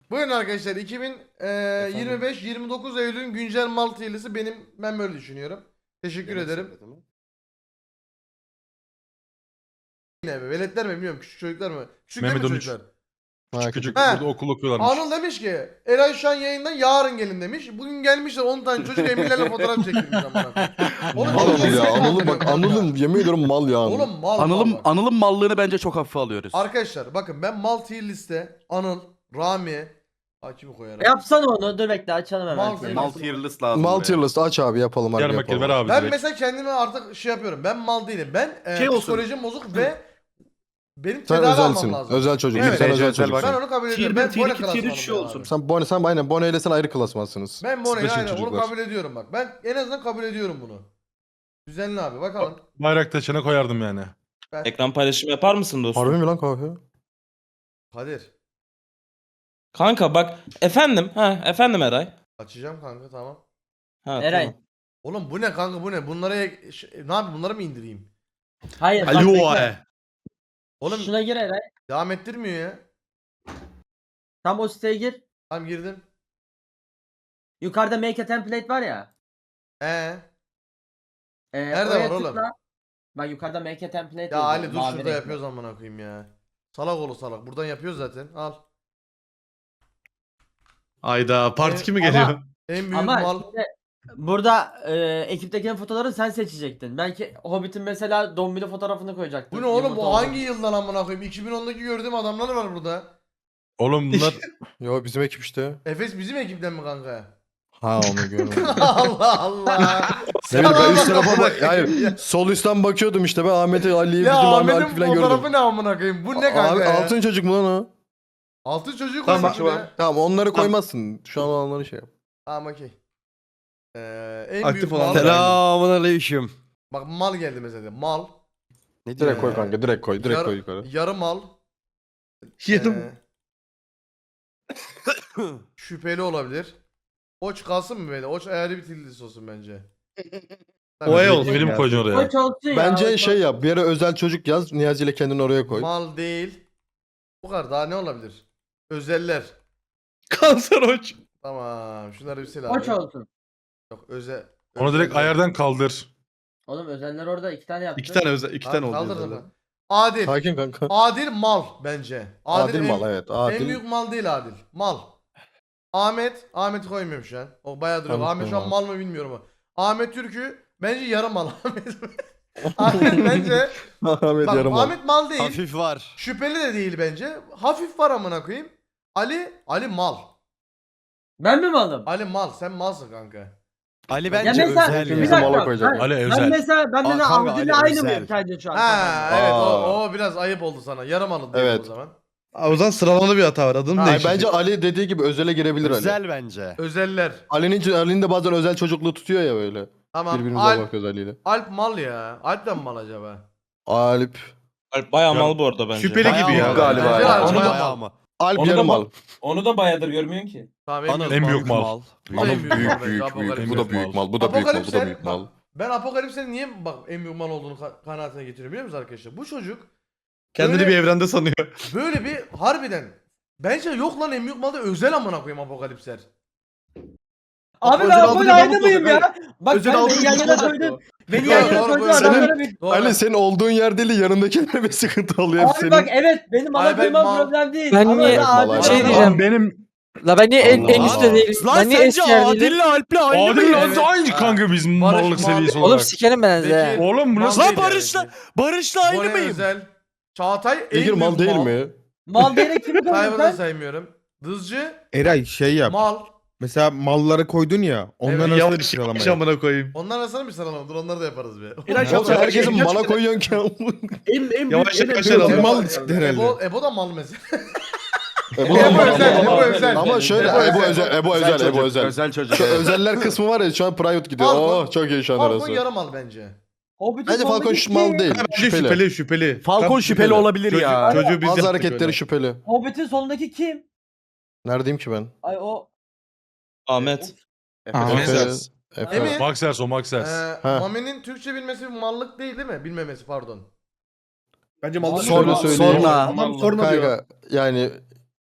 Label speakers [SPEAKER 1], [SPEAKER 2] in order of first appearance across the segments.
[SPEAKER 1] Buyurun arkadaşlar 2025-29 Eylül'ün güncel mal TL'si ben böyle düşünüyorum. Teşekkür ederim. Yine mi? Veletler mi bilmiyorum küçük çocuklar mı? Küçük değil mi
[SPEAKER 2] Mehmet 13.
[SPEAKER 1] çocuklar?
[SPEAKER 2] Küçük
[SPEAKER 1] He.
[SPEAKER 2] burada okul okuyorlarmış.
[SPEAKER 1] Anıl demiş ki Eray şu an yayından yarın gelin demiş. Bugün gelmişler 10 tane çocuk emirlerle fotoğraf çektirmiş amına koyayım. Oğlum
[SPEAKER 3] Mal
[SPEAKER 1] çok
[SPEAKER 3] Anıl ya.
[SPEAKER 1] gerizekalı
[SPEAKER 3] Anıl'ın bak
[SPEAKER 1] kanka.
[SPEAKER 3] Anıl'ın yemin ediyorum mal ya Anıl.
[SPEAKER 1] Oğlum mal bak.
[SPEAKER 4] Anıl'ın mallığını bence çok hafife alıyoruz.
[SPEAKER 1] Arkadaşlar bakın ben mal tier liste Anıl, Rami, kimi koyarım?
[SPEAKER 5] Yapsana onu. Dur bekle açalım hemen.
[SPEAKER 1] Mal-
[SPEAKER 5] seni.
[SPEAKER 4] Mal tier list lazım.
[SPEAKER 3] Mal
[SPEAKER 4] buraya.
[SPEAKER 3] tier list aç abi yapalım abi
[SPEAKER 2] Gel bakayım ver
[SPEAKER 3] yapalım.
[SPEAKER 2] abi
[SPEAKER 1] Ben
[SPEAKER 2] direkt.
[SPEAKER 1] mesela kendime artık şey yapıyorum. Ben mal değilim. Ben
[SPEAKER 4] Şey olsun.
[SPEAKER 1] psikolojim bozuk ve benim
[SPEAKER 3] Sen
[SPEAKER 1] tedavi almam
[SPEAKER 3] özelsin.
[SPEAKER 1] lazım.
[SPEAKER 3] Özel çocuk.
[SPEAKER 1] Evet.
[SPEAKER 3] Sen özel
[SPEAKER 4] özel
[SPEAKER 3] çocuksun.
[SPEAKER 1] Ben onu kabul ediyorum.
[SPEAKER 4] Tier
[SPEAKER 1] Ben
[SPEAKER 4] bir,
[SPEAKER 1] Bone
[SPEAKER 4] tier iki, tier üç şey
[SPEAKER 1] klasmanım
[SPEAKER 4] olsun.
[SPEAKER 1] abi.
[SPEAKER 3] Sen aynen Bono ile sen ayrı klasmansınız.
[SPEAKER 1] Ben Bone'yi
[SPEAKER 3] Special
[SPEAKER 1] aynen onu
[SPEAKER 3] çocuklar.
[SPEAKER 1] kabul ediyorum bak. Ben en azından kabul ediyorum bunu. Düzenli abi bakalım.
[SPEAKER 2] Bayrak taşına koyardım yani.
[SPEAKER 6] Ekran paylaşımı yapar mısın dostum?
[SPEAKER 3] Harbi mi lan kahve?
[SPEAKER 1] Kadir.
[SPEAKER 6] Kanka bak efendim. Efendim Eray.
[SPEAKER 1] Açacağım kanka tamam.
[SPEAKER 5] Eray.
[SPEAKER 6] Tamam.
[SPEAKER 1] Oğlum bu ne kanka bu ne? Bunlara ne yapayım bunları mı indireyim?
[SPEAKER 5] Hayır bak
[SPEAKER 4] Alo
[SPEAKER 5] bekle.
[SPEAKER 1] Oğlum
[SPEAKER 5] Şuna gir Eray.
[SPEAKER 1] devam ettirmiyor ya.
[SPEAKER 5] Tam o siteye gir.
[SPEAKER 1] Tamam girdim.
[SPEAKER 5] Yukarıda make a template var ya.
[SPEAKER 1] Nerede
[SPEAKER 5] oraya
[SPEAKER 1] var oğlum?
[SPEAKER 5] tıkla. Bak yukarıda make a template
[SPEAKER 1] Ya
[SPEAKER 5] yazıyor,
[SPEAKER 1] Ali dur
[SPEAKER 5] mavi
[SPEAKER 1] şurada
[SPEAKER 5] renkli.
[SPEAKER 1] yapıyoruz amına koyayım ya. Salak oğlu salak. Buradan yapıyoruz zaten. Al.
[SPEAKER 4] Ayda part 2 mi
[SPEAKER 5] Ama-
[SPEAKER 4] geliyor?
[SPEAKER 1] En büyük
[SPEAKER 5] Ama
[SPEAKER 1] mal.
[SPEAKER 5] şimdi burada ekipteki fotoğrafları sen seçecektin. Belki Hobbit'in mesela Dombili fotoğrafını koyacaktın.
[SPEAKER 1] Bu ne oğlum
[SPEAKER 5] Yumurta
[SPEAKER 1] bu
[SPEAKER 5] olarak.
[SPEAKER 1] hangi yıldan amına koyayım? 2010'daki gördüğüm adamlar var burada.
[SPEAKER 2] Oğlum bunlar
[SPEAKER 3] Yo bizim ekip işte.
[SPEAKER 1] Efes bizim ekipten mi kanka?
[SPEAKER 3] Ha onu görmedim.
[SPEAKER 1] Allah Allah.
[SPEAKER 3] Ne bileyim ben üst
[SPEAKER 1] Salak
[SPEAKER 3] tarafa bak.
[SPEAKER 1] amına
[SPEAKER 3] Hayır.
[SPEAKER 1] koyayım ya.
[SPEAKER 3] Sol üstten bakıyordum işte ben Ahmet'i, Ali'yi,
[SPEAKER 1] Ya
[SPEAKER 3] bizim Ahmet
[SPEAKER 1] Ahmet'in
[SPEAKER 3] Alp'i falan gördüm.
[SPEAKER 1] fotoğrafı ne amına koyayım? Bu ne kanka
[SPEAKER 3] Abi
[SPEAKER 1] ya?
[SPEAKER 3] altın çocuk mu lan o?
[SPEAKER 1] Altın çocuğu
[SPEAKER 3] Tamam,
[SPEAKER 1] koymuş buraya.
[SPEAKER 3] Tamam onları koymazsın. Şu an olanları şey yap.
[SPEAKER 1] Tamam okey. En
[SPEAKER 4] Aktif
[SPEAKER 1] büyük
[SPEAKER 4] olan
[SPEAKER 1] mal.
[SPEAKER 7] Selamünaleyküm.
[SPEAKER 1] Bak mal geldi mesela. Mal.
[SPEAKER 7] Ne diyor
[SPEAKER 3] Direkt koy
[SPEAKER 7] ya?
[SPEAKER 3] kanka direkt koy. Direkt
[SPEAKER 1] Yarı-
[SPEAKER 3] koy yukarı.
[SPEAKER 1] Yarı mal.
[SPEAKER 4] Yarım.
[SPEAKER 1] Şüpheli olabilir. Oç kalsın mı böyle? Oç ayarı bir tillis olsun bence.
[SPEAKER 4] Oya olsun.
[SPEAKER 2] benim
[SPEAKER 4] ya.
[SPEAKER 2] koyacağım oraya.
[SPEAKER 5] Koç olsun ya.
[SPEAKER 3] Bence
[SPEAKER 5] koç
[SPEAKER 3] şey
[SPEAKER 5] olsun.
[SPEAKER 3] yap. Bir yere özel çocuk yaz. Niyazi ile kendini oraya koy.
[SPEAKER 1] Mal değil. Bu kadar daha ne olabilir? Özeller.
[SPEAKER 4] Kanser hoç.
[SPEAKER 1] Tamam. Şunları bir sil abi.
[SPEAKER 5] Koç olsun.
[SPEAKER 1] Yok özel.
[SPEAKER 2] Onu direkt
[SPEAKER 1] özeller.
[SPEAKER 2] ayardan kaldır.
[SPEAKER 5] Oğlum özeller orada 2 tane yaptı.
[SPEAKER 4] 2 tane özel, 2 tane
[SPEAKER 1] Abi
[SPEAKER 4] oldu.
[SPEAKER 1] kaldırdın
[SPEAKER 4] özeller.
[SPEAKER 1] mı? Adil.
[SPEAKER 3] Sakin kanka.
[SPEAKER 1] Adil mal bence.
[SPEAKER 3] Adil
[SPEAKER 1] en-
[SPEAKER 3] mal evet.
[SPEAKER 1] En
[SPEAKER 3] Adil.
[SPEAKER 1] büyük mal değil Adil. Mal. Ahmet'i koymuyorum şu an. O bayağı duruyor.
[SPEAKER 3] Ahmet
[SPEAKER 1] Ahmet şu an
[SPEAKER 3] koyma.
[SPEAKER 1] mal mı bilmiyorum ama. Ahmet Türk'ü bence yarım mal. Ahmet bence.
[SPEAKER 3] Ahmet
[SPEAKER 1] Bak
[SPEAKER 3] yarım al.
[SPEAKER 1] Ahmet mal değil.
[SPEAKER 7] Hafif var.
[SPEAKER 1] Şüpheli de değil bence. Hafif var amına koyayım. Ali mal.
[SPEAKER 5] Ben mi malım?
[SPEAKER 1] Ali mal. Sen malsın kanka.
[SPEAKER 7] Ali
[SPEAKER 5] Ya
[SPEAKER 7] bence
[SPEAKER 5] mesela
[SPEAKER 7] özel
[SPEAKER 5] bir
[SPEAKER 3] Hepimizi
[SPEAKER 7] ya.
[SPEAKER 5] dakika.
[SPEAKER 3] mala koyacak.
[SPEAKER 5] Ben,
[SPEAKER 2] Ali
[SPEAKER 5] ben
[SPEAKER 2] özel.
[SPEAKER 5] mesela ben de
[SPEAKER 7] kanka,
[SPEAKER 5] Avdi'yle
[SPEAKER 7] Ali
[SPEAKER 5] aynı
[SPEAKER 7] özel.
[SPEAKER 5] mıyım sence şu an?
[SPEAKER 1] Ha evet
[SPEAKER 3] Aa.
[SPEAKER 1] o biraz ayıp oldu sana. Yarım alın diyelim
[SPEAKER 3] Evet.
[SPEAKER 1] o zaman.
[SPEAKER 4] O zaman sıralamada bir hata var. Adını
[SPEAKER 3] Hayır,
[SPEAKER 4] değiştir.
[SPEAKER 3] bence Ali dediği gibi özele girebilir Ali.
[SPEAKER 7] Özel bence.
[SPEAKER 1] Özeller.
[SPEAKER 3] Ali'nin de bazen özel çocukluğu tutuyor ya böyle.
[SPEAKER 1] Tamam.
[SPEAKER 3] Birbirimize bakıyoruz Ali'yle.
[SPEAKER 1] Alp mal ya. Alp de mi mal acaba?
[SPEAKER 3] Alp.
[SPEAKER 6] Bayağı mal bu arada bence.
[SPEAKER 4] Şüpheli gibi ya.
[SPEAKER 3] Galiba
[SPEAKER 1] ya.
[SPEAKER 7] Ya.
[SPEAKER 1] Onu da-
[SPEAKER 7] Bayağı mı?
[SPEAKER 3] Alp
[SPEAKER 6] Onu da
[SPEAKER 3] yarım
[SPEAKER 6] mal-
[SPEAKER 3] al.
[SPEAKER 6] Onu da bayağıdır görmüyorsun ki.
[SPEAKER 1] Tamam
[SPEAKER 7] Anıl
[SPEAKER 2] En büyük mal.
[SPEAKER 1] Bu da en
[SPEAKER 3] Anıl
[SPEAKER 1] büyük mal
[SPEAKER 3] büyük
[SPEAKER 1] bence,
[SPEAKER 3] büyük
[SPEAKER 1] Apokalipsel.
[SPEAKER 3] büyük. Bu da büyük mal. Bu da büyük mal. Bu da
[SPEAKER 1] Apokalipsel,
[SPEAKER 3] büyük mal.
[SPEAKER 1] Ben Apokalips'in niye bak en büyük mal olduğunu kanaatine getiriyorum biliyor musunuz arkadaşlar? Bu çocuk
[SPEAKER 4] Kendini
[SPEAKER 1] Böyle-
[SPEAKER 4] bir evrende sanıyor.
[SPEAKER 1] böyle bir harbiden bence yok lan en büyük malda özel amına koyayım Apokalipsler.
[SPEAKER 5] Abi
[SPEAKER 4] Özel
[SPEAKER 5] ben
[SPEAKER 4] aldığını
[SPEAKER 5] böyle aynı
[SPEAKER 4] kabul
[SPEAKER 5] mıyım
[SPEAKER 4] olacak,
[SPEAKER 5] ya? Bak
[SPEAKER 4] Özel
[SPEAKER 5] sen
[SPEAKER 4] aldığını
[SPEAKER 5] beni yan yana
[SPEAKER 4] kabul olacak
[SPEAKER 5] koydun.
[SPEAKER 4] bu.
[SPEAKER 5] Beni
[SPEAKER 1] Doğru,
[SPEAKER 5] yan yana
[SPEAKER 1] doğru,
[SPEAKER 5] koydun
[SPEAKER 1] doğru.
[SPEAKER 5] adamlara bir...
[SPEAKER 1] Doğru.
[SPEAKER 3] Ali senin olduğun yer değil de yanındakilere bir sıkıntı oluyor. Hep
[SPEAKER 5] Abi
[SPEAKER 3] senin.
[SPEAKER 5] bak evet benim
[SPEAKER 1] Ay,
[SPEAKER 5] mala
[SPEAKER 1] ben
[SPEAKER 5] koymam
[SPEAKER 1] mal-
[SPEAKER 5] problem değil.
[SPEAKER 8] Ben
[SPEAKER 5] Ama
[SPEAKER 8] niye-
[SPEAKER 5] öyle adil
[SPEAKER 3] Mal-
[SPEAKER 8] şey
[SPEAKER 5] adam-
[SPEAKER 8] diyeceğim.
[SPEAKER 2] Benim
[SPEAKER 8] La ben niye en
[SPEAKER 3] Allah.
[SPEAKER 8] üstte değilim?
[SPEAKER 7] Lan
[SPEAKER 8] Ben niye
[SPEAKER 7] sence
[SPEAKER 8] eski yerdeydim?
[SPEAKER 7] Adil'le Alp'le aynı
[SPEAKER 2] Adil
[SPEAKER 7] mıyız?
[SPEAKER 2] lan aynı kanka bizim
[SPEAKER 1] Barış
[SPEAKER 2] mallık
[SPEAKER 1] mal-
[SPEAKER 2] seviyesi
[SPEAKER 8] Oğlum
[SPEAKER 2] olarak.
[SPEAKER 8] sikerim ben size.
[SPEAKER 1] Peki,
[SPEAKER 2] Oğlum bu
[SPEAKER 1] mal
[SPEAKER 2] nasıl?
[SPEAKER 1] değil
[SPEAKER 7] Lan
[SPEAKER 1] yani
[SPEAKER 7] Barış'la
[SPEAKER 1] bence.
[SPEAKER 7] Barış'la aynı
[SPEAKER 1] Bone
[SPEAKER 7] mıyım?
[SPEAKER 1] özel. Çağatay en
[SPEAKER 3] Bekir
[SPEAKER 1] büyük
[SPEAKER 3] mal değil mi?
[SPEAKER 5] Mal diyerek kimi koydun
[SPEAKER 1] Tayvan'ı da
[SPEAKER 5] sen?
[SPEAKER 1] saymıyorum. Dızcı
[SPEAKER 9] Eray şey yap.
[SPEAKER 1] mal.
[SPEAKER 9] Mesela malları koydun ya. Onların
[SPEAKER 1] Evet,
[SPEAKER 9] arasında bir
[SPEAKER 4] Yavaş
[SPEAKER 9] sıralama
[SPEAKER 4] yavaş
[SPEAKER 9] yap.
[SPEAKER 4] amına koyayım.
[SPEAKER 1] Onlar arasında bir sıralama. Dur onları da yaparız be.
[SPEAKER 4] Eray,
[SPEAKER 3] Oğlum sen herkesin
[SPEAKER 4] Kaç-
[SPEAKER 3] mala koyuyorsun ki.
[SPEAKER 4] Yavaş yavaş
[SPEAKER 9] Ebo
[SPEAKER 4] alalım.
[SPEAKER 9] mal çıktı herhalde.
[SPEAKER 1] Ebo da mal mesela.
[SPEAKER 3] Ebo
[SPEAKER 1] Ebo özel, Ebo özel.
[SPEAKER 3] Ama şöyle Ebo özel, Ebo özel, Ebo özel.
[SPEAKER 4] Özel çocuk.
[SPEAKER 3] Şu özeller kısmı var ya şu an private gidiyor.
[SPEAKER 1] Falcon-
[SPEAKER 3] Oh çok iyi şu an
[SPEAKER 1] Falcon
[SPEAKER 3] arası.
[SPEAKER 1] yarım mal bence.
[SPEAKER 5] Hobbit'in
[SPEAKER 3] Bence Falcon
[SPEAKER 5] soldaki
[SPEAKER 3] mal
[SPEAKER 5] kim?
[SPEAKER 3] değil.
[SPEAKER 4] Bence
[SPEAKER 3] Şüpheli.
[SPEAKER 4] şüpheli şüpheli.
[SPEAKER 7] Falcon
[SPEAKER 4] Tam
[SPEAKER 7] şüpheli olabilir
[SPEAKER 4] Çocuğu-
[SPEAKER 7] ya.
[SPEAKER 4] Çocuğu biz
[SPEAKER 3] Bazı
[SPEAKER 4] yaptık
[SPEAKER 3] hareketleri
[SPEAKER 4] öyle.
[SPEAKER 3] şüpheli.
[SPEAKER 5] Hobbit'in solundaki kim?
[SPEAKER 3] Neredeyim ki ben?
[SPEAKER 5] Ay o...
[SPEAKER 6] Ahmet.
[SPEAKER 9] Ahmet.
[SPEAKER 3] Efe.
[SPEAKER 1] Emir.
[SPEAKER 2] Maxers o Maxers.
[SPEAKER 3] Ha.
[SPEAKER 1] Mami'nin Türkçe bilmesi bir mallık değil mi? Bilmemesi pardon.
[SPEAKER 4] Bence mallık.
[SPEAKER 3] Şöyle söyleyeyim.
[SPEAKER 7] Sonra.
[SPEAKER 4] Tamam sorma diyor.
[SPEAKER 3] Kanka yani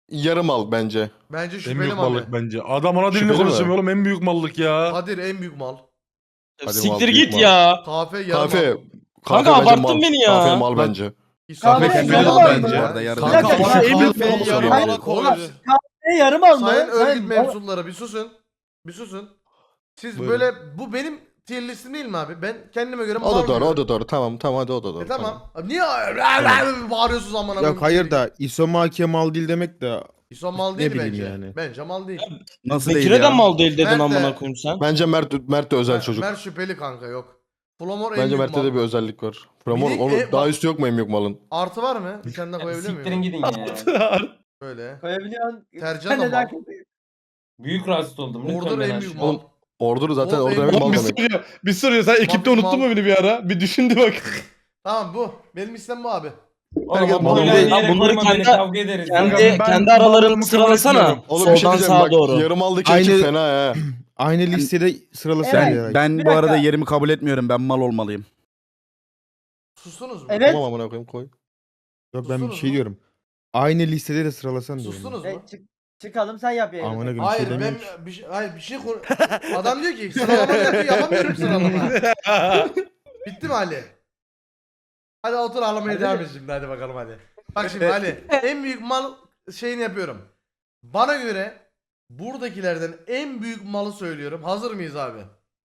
[SPEAKER 3] yarı mal bence.
[SPEAKER 1] Bence
[SPEAKER 2] En
[SPEAKER 1] şüpheli
[SPEAKER 2] büyük
[SPEAKER 1] mal.
[SPEAKER 2] mallık bence. Adam ana dilini
[SPEAKER 3] Şüpheli mi?
[SPEAKER 2] konuşamıyor oğlum en büyük mallık ya.
[SPEAKER 1] Kadir en büyük mal.
[SPEAKER 3] Hadi
[SPEAKER 6] Siktir
[SPEAKER 3] mal, büyük
[SPEAKER 6] git
[SPEAKER 3] mal.
[SPEAKER 6] ya.
[SPEAKER 1] Kafe yarı
[SPEAKER 3] Kafe.
[SPEAKER 1] mal.
[SPEAKER 6] Kanka
[SPEAKER 3] bence
[SPEAKER 6] abarttın
[SPEAKER 3] mal.
[SPEAKER 6] beni ya.
[SPEAKER 3] Kafe mal bence.
[SPEAKER 1] İsmail
[SPEAKER 5] Kahve
[SPEAKER 1] yarı
[SPEAKER 4] yarı
[SPEAKER 1] mal
[SPEAKER 4] mal
[SPEAKER 1] bence.
[SPEAKER 4] bence.
[SPEAKER 1] ya.
[SPEAKER 7] Bu arada yarı
[SPEAKER 3] Kanka,
[SPEAKER 7] mal.
[SPEAKER 3] kafe
[SPEAKER 7] Kafeyi
[SPEAKER 3] mal
[SPEAKER 7] yarı
[SPEAKER 3] mal.
[SPEAKER 7] mala koydu.
[SPEAKER 5] Yarım al mı?
[SPEAKER 1] Sayın örgüt
[SPEAKER 5] Sen-
[SPEAKER 1] mensupları bir susun. Bir susun. Siz
[SPEAKER 4] Buyurun.
[SPEAKER 1] böyle bu benim tier listim değil mi abi? Ben kendime göre mal
[SPEAKER 3] O da doğru,
[SPEAKER 1] diyorum.
[SPEAKER 3] o da doğru. Tamam hadi o da doğru.
[SPEAKER 1] Tamam. Abi niye bağırıyorsunuz amına
[SPEAKER 9] Yok hayır da İsomaki mal değil demek de
[SPEAKER 1] İso mal
[SPEAKER 9] Ne
[SPEAKER 1] değil
[SPEAKER 9] bileyim
[SPEAKER 1] bence.
[SPEAKER 9] yani.
[SPEAKER 1] Bence mal değil.
[SPEAKER 7] Nasıl değil
[SPEAKER 6] Bekir'e de
[SPEAKER 7] ya?
[SPEAKER 6] mal değil dedin
[SPEAKER 1] Mert de-
[SPEAKER 6] amına koyayım sen.
[SPEAKER 3] Bence Mert de özel çocuk.
[SPEAKER 1] Mert şüpheli kanka yok. Flomor en
[SPEAKER 3] Bence
[SPEAKER 1] büyük
[SPEAKER 3] Mert'te
[SPEAKER 1] mal.
[SPEAKER 3] de bir özellik var. Framor
[SPEAKER 1] Bir de-
[SPEAKER 3] onu daha üstü yok mu en büyük malın?
[SPEAKER 1] Artı var mı? Bir tane daha koyabilir
[SPEAKER 6] Siktirin
[SPEAKER 1] miyim?
[SPEAKER 6] gidin ya.
[SPEAKER 1] Böyle.
[SPEAKER 5] Koyabiliyorsun.
[SPEAKER 1] Tercan da
[SPEAKER 5] Neden
[SPEAKER 1] mal.
[SPEAKER 6] Büyük rahatsız oldum. Lütfen
[SPEAKER 1] Ordur
[SPEAKER 6] beni
[SPEAKER 1] en
[SPEAKER 6] aşma.
[SPEAKER 1] büyük mal.
[SPEAKER 3] Ordur zaten
[SPEAKER 1] Oğlum,
[SPEAKER 3] orada
[SPEAKER 1] en
[SPEAKER 3] demek mal
[SPEAKER 4] Bir
[SPEAKER 3] demek.
[SPEAKER 4] soruyor. Bir soruyor. Sen ekipte
[SPEAKER 1] Mal-
[SPEAKER 4] unuttun mu beni bir ara? Bir düşündü bak.
[SPEAKER 1] Tamam bu. Benim istem bu abi.
[SPEAKER 6] Oğlum
[SPEAKER 3] Herkes
[SPEAKER 6] o
[SPEAKER 3] mal
[SPEAKER 6] böyle
[SPEAKER 3] değil.
[SPEAKER 6] yere Bunları koyma beni, kendi- kavga ederiz.
[SPEAKER 2] Kanka,
[SPEAKER 6] ya.
[SPEAKER 2] ben
[SPEAKER 6] Kendi aralarını
[SPEAKER 2] mallığımı kabul
[SPEAKER 6] sıralasana.
[SPEAKER 2] etmiyorum.
[SPEAKER 3] Oğlum bir şey
[SPEAKER 6] Soldan
[SPEAKER 3] diyeceğim
[SPEAKER 6] sağa
[SPEAKER 3] bak.
[SPEAKER 6] doğru.
[SPEAKER 3] Yarım aldaki ekip
[SPEAKER 9] Aynı-
[SPEAKER 3] fena ha.
[SPEAKER 9] aynı listede sıralasana
[SPEAKER 5] Evet,
[SPEAKER 9] ya.
[SPEAKER 7] Ben
[SPEAKER 5] Bir
[SPEAKER 7] bu arada
[SPEAKER 5] dakika.
[SPEAKER 7] yerimi kabul etmiyorum. Ben mal olmalıyım.
[SPEAKER 1] Sustunuz mu?
[SPEAKER 5] Evet.
[SPEAKER 3] Tamam amına koyayım koy.
[SPEAKER 9] Yok ben bir
[SPEAKER 1] Sustunuz
[SPEAKER 9] şey
[SPEAKER 1] mu?
[SPEAKER 9] diyorum. Aynı listede de sıralasan diyorum.
[SPEAKER 1] Sustunuz mu?
[SPEAKER 5] Çıkalım sen yap yayını.
[SPEAKER 9] Amına koyayım
[SPEAKER 1] Hayır
[SPEAKER 9] şey
[SPEAKER 1] ben
[SPEAKER 9] demiyorum.
[SPEAKER 1] bir şey adam diyor ki sıralama yapıyor yapamıyorum sıralama. Bitti mi Ali? Hadi otur ağlamaya
[SPEAKER 5] Hadi.
[SPEAKER 1] devam et şimdi hadi bakalım hadi. Bak şimdi Ali en büyük mal şeyini yapıyorum. Bana göre buradakilerden en büyük malı söylüyorum. Hazır mıyız abi?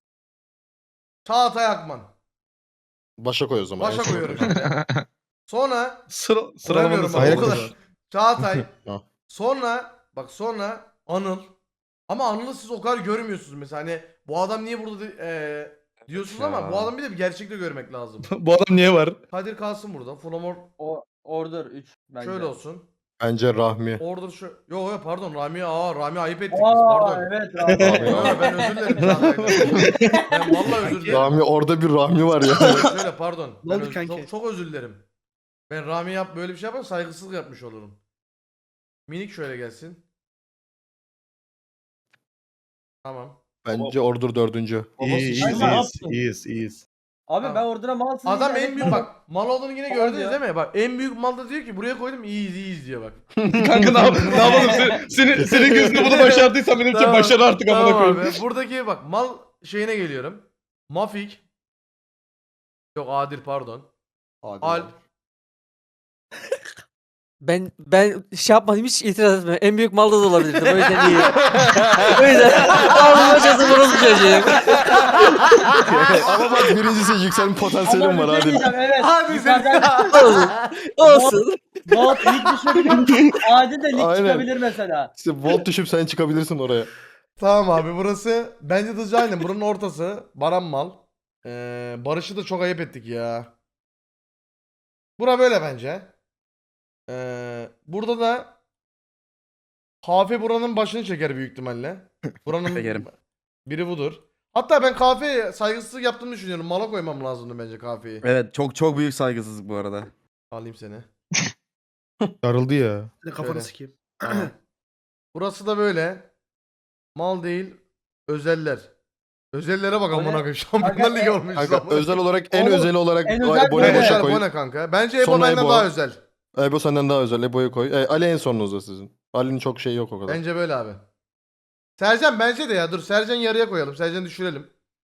[SPEAKER 1] Çağatay Akman.
[SPEAKER 3] Başa koy o zaman.
[SPEAKER 1] Başa koyuyorum şimdi. Sonra
[SPEAKER 4] Sıralamanı
[SPEAKER 1] Koyamıyorum
[SPEAKER 9] Hayır,
[SPEAKER 1] abi, o kadar.
[SPEAKER 9] kız.
[SPEAKER 1] Çağatay.
[SPEAKER 3] Ha.
[SPEAKER 1] Sonra Anıl. Ama Anıl'ı siz o kadar görmüyorsunuz mesela hani bu adam niye burada diyorsunuz ama bu adam bir de bir gerçekte görmek lazım.
[SPEAKER 4] Bu adam niye var?
[SPEAKER 1] Kadir kalsın burada. Flomor
[SPEAKER 5] Order 3 bence.
[SPEAKER 1] şöyle olsun.
[SPEAKER 3] Bence Rahmi.
[SPEAKER 1] Order şu. Yo pardon Rami ayıp ettik biz
[SPEAKER 5] Aa
[SPEAKER 1] pardon.
[SPEAKER 5] evet
[SPEAKER 1] Yo,
[SPEAKER 5] abi.
[SPEAKER 1] ben özür dilerim Çağatay'dan. Ben vallahi özür dilerim.
[SPEAKER 3] Rahmi orada bir Rahmi var ya.
[SPEAKER 1] Şöyle pardon.
[SPEAKER 9] Ne
[SPEAKER 1] Ben
[SPEAKER 9] oldu kanki?
[SPEAKER 1] çok özür dilerim. Ben Rami böyle bir şey yaparsam saygısızlık yapmış olurum. Minik şöyle gelsin. Tamam.
[SPEAKER 3] Bence Ordur dördüncü.
[SPEAKER 4] İyiyiz.
[SPEAKER 5] Abi
[SPEAKER 1] Tamam.
[SPEAKER 5] ben Order'a malsın.
[SPEAKER 1] Adam
[SPEAKER 5] diye
[SPEAKER 1] en büyük bak mal olduğunu yine
[SPEAKER 5] Mal
[SPEAKER 1] gördünüz
[SPEAKER 5] diyor.
[SPEAKER 1] değil mi? Bak en büyük mal da diyor ki buraya koydum iyiyiz diyor bak.
[SPEAKER 4] Kanka ne yapalım? Senin gözünde bunu başardıysan benim için
[SPEAKER 1] Tamam.
[SPEAKER 4] başarı artık amına
[SPEAKER 1] Tamam
[SPEAKER 4] koyayım.
[SPEAKER 1] abi. Buradaki bak mal şeyine geliyorum. Mafik. Yok Adil pardon. Alp.
[SPEAKER 8] Ben şey yapmadım hiç itiraz etmiyorum. En büyük malda da olabilirdim. O yüzden iyi. O yüzden alnıma çatı burası çocuğum.
[SPEAKER 3] Ama bak birincisi yükselme potansiyelim var hadi.
[SPEAKER 5] Evet.
[SPEAKER 1] Hadi
[SPEAKER 5] Yukarıdan
[SPEAKER 8] Olsun. Olsun.
[SPEAKER 5] Bolt lig düşebilir. Adil de lig
[SPEAKER 3] Aynen.
[SPEAKER 5] çıkabilir mesela.
[SPEAKER 3] İşte volt düşüp sen çıkabilirsin oraya.
[SPEAKER 1] Tamam abi burası bence de aynen buranın ortası. Baran mal. Barış'ı da çok ayıp ettik ya. Bura böyle bence. Burada da Kafe buranın başını çeker büyük ihtimalle. Buranın
[SPEAKER 7] Çekerim.
[SPEAKER 1] biri budur. Hatta ben Kafe'ye saygısızlık yaptığımı düşünüyorum. Mala koymam lazımdı bence Kafe'yi.
[SPEAKER 7] Evet çok büyük saygısızlık bu arada.
[SPEAKER 1] Alayım seni.
[SPEAKER 9] Darıldı ya.
[SPEAKER 1] Kafanı sikeyim. Burası da böyle. Mal değil. Özeller. Özellere bak
[SPEAKER 5] O ne?
[SPEAKER 1] amına koyayım. Şampiyonlar Ligi olmuş.
[SPEAKER 3] Kanka özel olarak en
[SPEAKER 5] Oğlum,
[SPEAKER 3] özeli olarak
[SPEAKER 5] en özel
[SPEAKER 3] Ebo'yu
[SPEAKER 5] bu ne?
[SPEAKER 3] başa
[SPEAKER 1] Ebo
[SPEAKER 3] koy.
[SPEAKER 1] ne kanka? Bence Ebo
[SPEAKER 3] Sonra
[SPEAKER 1] benden
[SPEAKER 3] Ebo.
[SPEAKER 1] daha özel.
[SPEAKER 3] Ebo senden daha özel. Ebo'yu koy. Ali en sonunuzda sizin. Ali'nin çok şeyi yok o kadar.
[SPEAKER 1] Bence böyle abi. Sercan bence de ya. Dur Sercan yarıya koyalım. Sercan düşürelim.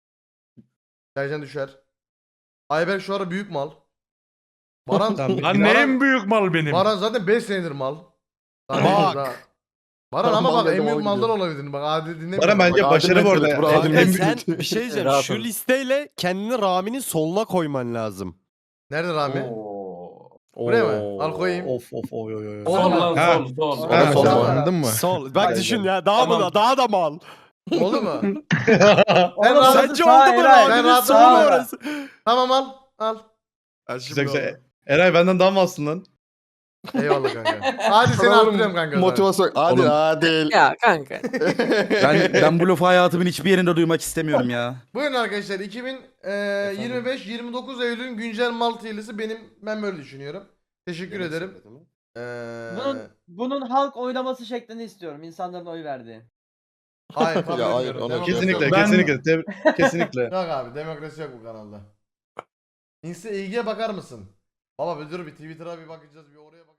[SPEAKER 1] Sercan düşer. Ayberk şu ara büyük mal. Baran,
[SPEAKER 4] Tamam.
[SPEAKER 2] Lan ne en büyük mal benim.
[SPEAKER 1] Baran zaten 5 senedir mal.
[SPEAKER 9] Bak.
[SPEAKER 1] Baran ama
[SPEAKER 3] Mal
[SPEAKER 1] bak en
[SPEAKER 3] dedim,
[SPEAKER 1] büyük
[SPEAKER 3] o
[SPEAKER 1] maldan
[SPEAKER 3] gidiyor.
[SPEAKER 1] olabilir. Bak adil dinle.
[SPEAKER 4] Baran bence
[SPEAKER 3] Bak,
[SPEAKER 4] başarı
[SPEAKER 3] Adil
[SPEAKER 4] bu arada.
[SPEAKER 3] Mesut, bu Adil
[SPEAKER 7] Kanka
[SPEAKER 3] Mesut.
[SPEAKER 7] sen bir şey diyeceğim.
[SPEAKER 2] Rahat
[SPEAKER 7] Şu
[SPEAKER 2] ol.
[SPEAKER 7] listeyle kendini Rami'nin soluna koyman lazım.
[SPEAKER 1] Nerede Rami?
[SPEAKER 6] Oo.
[SPEAKER 1] Buraya mı? Al koyayım.
[SPEAKER 4] Of oy.
[SPEAKER 1] Oğlum,
[SPEAKER 6] Sol lan
[SPEAKER 4] Ha.
[SPEAKER 6] sol.
[SPEAKER 1] Ha,
[SPEAKER 9] Sol
[SPEAKER 1] sol.
[SPEAKER 9] anladın mı?
[SPEAKER 7] Sol. Bak
[SPEAKER 5] Aynen.
[SPEAKER 7] düşün ya. Daha
[SPEAKER 6] Tamam.
[SPEAKER 7] mı daha da mal.
[SPEAKER 1] Oldu mu?
[SPEAKER 5] Oğlum,
[SPEAKER 1] rahat-
[SPEAKER 5] orası
[SPEAKER 7] Sence
[SPEAKER 5] sağ,
[SPEAKER 7] oldu mu
[SPEAKER 5] Eray.
[SPEAKER 1] Ben
[SPEAKER 7] Rami'nin
[SPEAKER 1] rahat-
[SPEAKER 7] solu
[SPEAKER 1] Aa.
[SPEAKER 7] orası?
[SPEAKER 1] Tamam al. Al.
[SPEAKER 4] Güzel. Eray benden daha mı alsın lan?
[SPEAKER 1] Eyvallah kanka. Hadi seni
[SPEAKER 3] Oğlum,
[SPEAKER 1] arttırıyorum kanka.
[SPEAKER 3] Motivasyon. Adil
[SPEAKER 7] Oğlum.
[SPEAKER 3] Adil.
[SPEAKER 8] Ya kanka.
[SPEAKER 7] Ben bu lafı hayatımın hiçbir yerinde duymak istemiyorum ya.
[SPEAKER 1] Buyurun arkadaşlar 2025-29 Eylül'ün güncel mal tiylisi ben böyle düşünüyorum. Teşekkür ederim.
[SPEAKER 5] Bunun halk oylaması şeklini istiyorum. İnsanların oy verdiği.
[SPEAKER 1] Hayır kabul
[SPEAKER 3] Ya, hayır,
[SPEAKER 1] etmiyorum.
[SPEAKER 3] ona
[SPEAKER 1] Demokrasi
[SPEAKER 4] Kesinlikle,
[SPEAKER 1] yok.
[SPEAKER 4] kesinlikle.
[SPEAKER 1] Yok abi demokrasi yok bu kanalda. İlgiye bakar mısın? Baba bir dur bir Twitter'a bir bakacağız bir oraya bak.